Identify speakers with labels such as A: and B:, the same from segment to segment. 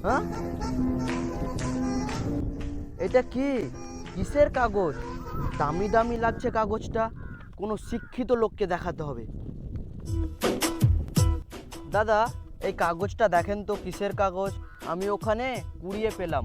A: হ্যাঁ, এটা কি কিসের কাগজ? দামি দামি লাগছে কাগজটা, কোনো শিক্ষিত লোককে দেখাতে হবে। দাদা, এই কাগজটা দেখেন তো কিসের কাগজ? আমি ওখানে কুড়িয়ে পেলাম।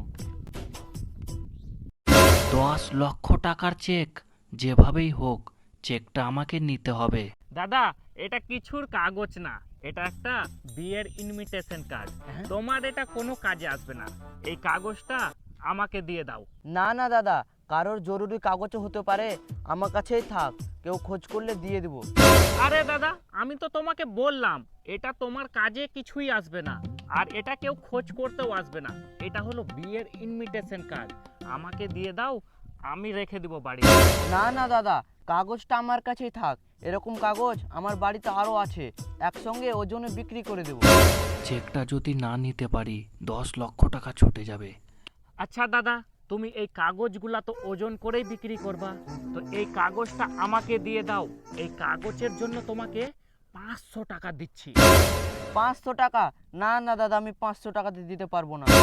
B: 10 লক্ষ টাকার চেক, যেভাবেই হোক চেকটা আমাকে নিতে হবে।
C: দাদা, এটা কিছুর কাগজ না, এটা একটা বিয়ের ইনভিটেশন কার্ড। তোমার এটা কোনো কাজে আসবে না, এই কাগজটা আমাকে দিয়ে দাও।
A: না না দাদা, কারোর জরুরি কাগজও হতে পারে, আমার কাছেই থাক, কেউ খোঁজ করলে দিয়ে দেবো।
C: আরে দাদা, আমি তো তোমাকে বললাম এটা তোমার কাজে কিছুই আসবে না, আর এটা কেউ খোঁজ করতেও আসবে না। এটা হলো বিয়ের ইনভিটেশন কার্ড, আমাকে দিয়ে দাও, আমি রেখে দিব বাড়ি।
A: না না দাদা, কাগজটা আমার কাছেই থাক, এরকম কাগজ আমার বাড়িতে আরও আছে, একসঙ্গে ওজনে বিক্রি করে দেবো।
B: চেকটা যদি না নিতে পারি 10 লক্ষ টাকা ছুটে যাবে।
C: আচ্ছা দাদা, তুমি এই কাগজগুলা তো ওজন করেই বিক্রি করবা, তো এই কাগজটা আমাকে দিয়ে দাও। এই কাগজের জন্য তোমাকে 500 টাকা দিচ্ছি।
A: 500 টাকা? না না দাদা, আমি 500 টাকাতে দিতে পারবো না।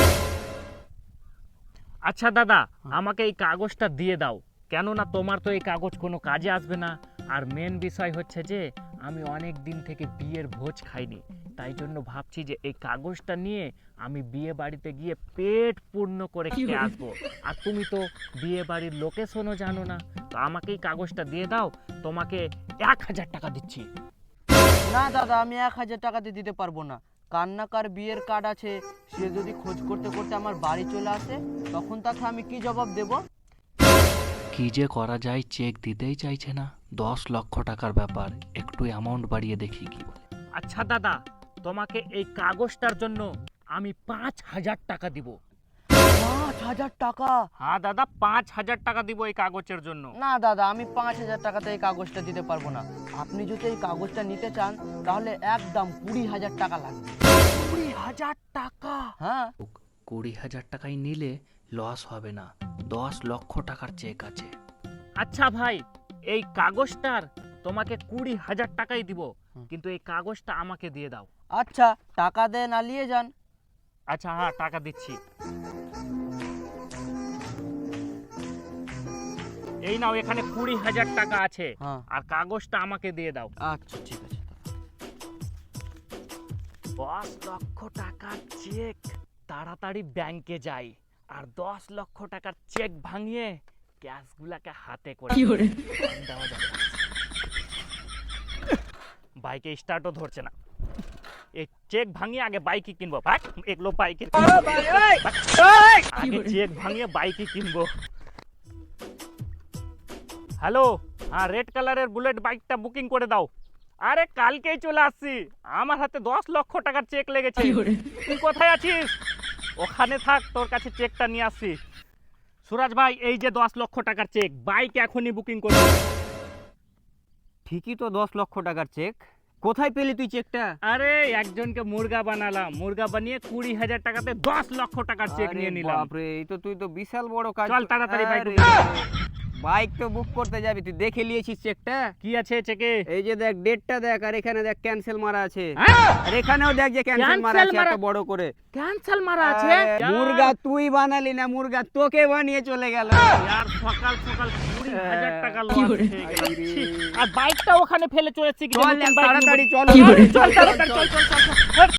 C: আচ্ছা দাদা, আমাকে এই কাগজটা দিয়ে দাও, কেননা তোমার তো এই কাগজ কোনো কাজে আসবে না। আর মেন বিষয় হচ্ছে যে আমি অনেক দিন থেকে বিয়ের ভোজ খাইনি, তাই জন্য ভাবছি যে এই কাগজটা নিয়ে আমি বিয়ে বাড়িতে গিয়ে পেট পূর্ণ করে খেয়ে আসবো। আর তুমি তো বিয়ে বাড়ির লোকেশনও জানো না, তো আমাকে এই কাগজটা দিয়ে দাও, তোমাকে 1000 টাকা দিচ্ছি।
A: না দাদা, আমি 1000 টাকাতে দিতে পারবো না। কার বিয়ের কার্ড আছে, সে যদি খোঁজ করতে করতে আমার বাড়ি চলে আসে, তখন তাকে আমি কি জবাব দেব?
B: কি যে করা যায়, চেক দিতেই চাইছে না। 10 লক্ষ টাকার ব্যাপার, একটু অ্যামাউন্ট বাড়িয়ে দেখি কি বলে।
C: আচ্ছা দাদা, তোমাকে এই কাগজটার জন্য আমি 5000 টাকা দিব।
A: 5000 টাকা?
C: হ্যাঁ দাদা, 5000 টাকা দিব এই কাগজের জন্য।
A: না দাদা, আমি 5000 টাকাতে এই কাগজটা দিতে পারবো না। আপনি যদি এই কাগজটা নিতে চান, তাহলে একদম 20,000 টাকা লাগবে।
C: 20,000 টাকা?
A: হ্যাঁ।
B: 20,000 টাকায় নিলে লস হবে না, 10 লক্ষ টাকার চেক আছে।
C: আচ্ছা ভাই, এই কাগজটার তোমাকে 20,000 টাকাই দিব, কিন্তু এই কাগজটা আমাকে দিয়ে দাও।
A: আচ্ছা, টাকা দেন, আলিয়ে যান।
C: আচ্ছা হ্যাঁ, টাকা দিচ্ছি। এই নাও, এখানে 20,000 টাকা আছে,
A: হ্যাঁ।
C: আর কাগজটা আমাকে দিয়ে দাও।
A: আচ্ছা ঠিক আছে।
C: 10 লক্ষ টাকার চেক, তাড়াতাড়ি ব্যাংকে যাই আর 10 লক্ষ টাকার চেক ভাঙিয়ে ক্যাশগুলাকে হাতে করে দেওয়া যাবে। বাইকে স্টার্টও ধরছে না, এই চেক ভাঙিয়ে আগে বাইকই কিনবো। ভাগ, এগুলো বাইকে আগে চেক ভাঙিয়ে বাইকই কিনবো। হ্যালো, হ্যাঁ, রেড কালারের বুলেট বাইকটা বুকিং করে দাও। আরে কালকেই চলে আসছি, আমার হাতে 10 লক্ষ টাকার চেক লেগেছে। তুই কোথায় আছিস? ওখানে থাক, তোর কাছে চেকটা নিয়ে আসছি। সুরাজ ভাই, এই যে 10 লক্ষ টাকার চেক, বাইক এখনই বুকিং করো।
D: ঠিকই তো, 10 লক্ষ টাকার চেক। কোথায় পেলি তুই চেকটা?
C: আরে একজনকে মুরগা বানালাম, মুরগা বানিয়ে 20,000 টাকাতে 10 লক্ষ টাকার চেক নিয়ে নিলাম।
D: বাপরে, এই তো তুই তো বিশাল বড় কাজ।
C: চল তাড়াতাড়ি বাইক
D: আরে, বাইক তো বুক করতে যাবি, তুই দেখে নিয়েছিস চেকটা?
C: কি আছে চেকে?
D: এই যে দেখ, ডেটটা দেখ, আর এখানে দেখ ক্যান্সেল মারা আছে।
C: হ্যাঁ?
D: আর এখানেও দেখ যে ক্যান্সেল মারা আছে এত বড় করে।
C: ক্যান্সেল মারা আছে?
D: মুরগা তুই বানালি না, মুরগা তোকে বানিয়ে চলে গেল।
C: यार সকাল সকাল 20,000 টাকা লস হয়ে গেল। ছি, আর বাইকটা ওখানে ফেলে চলেছি।
D: চল তাড়াতাড়ি চল।
C: চল তাড়াতাড়ি চল চল চল।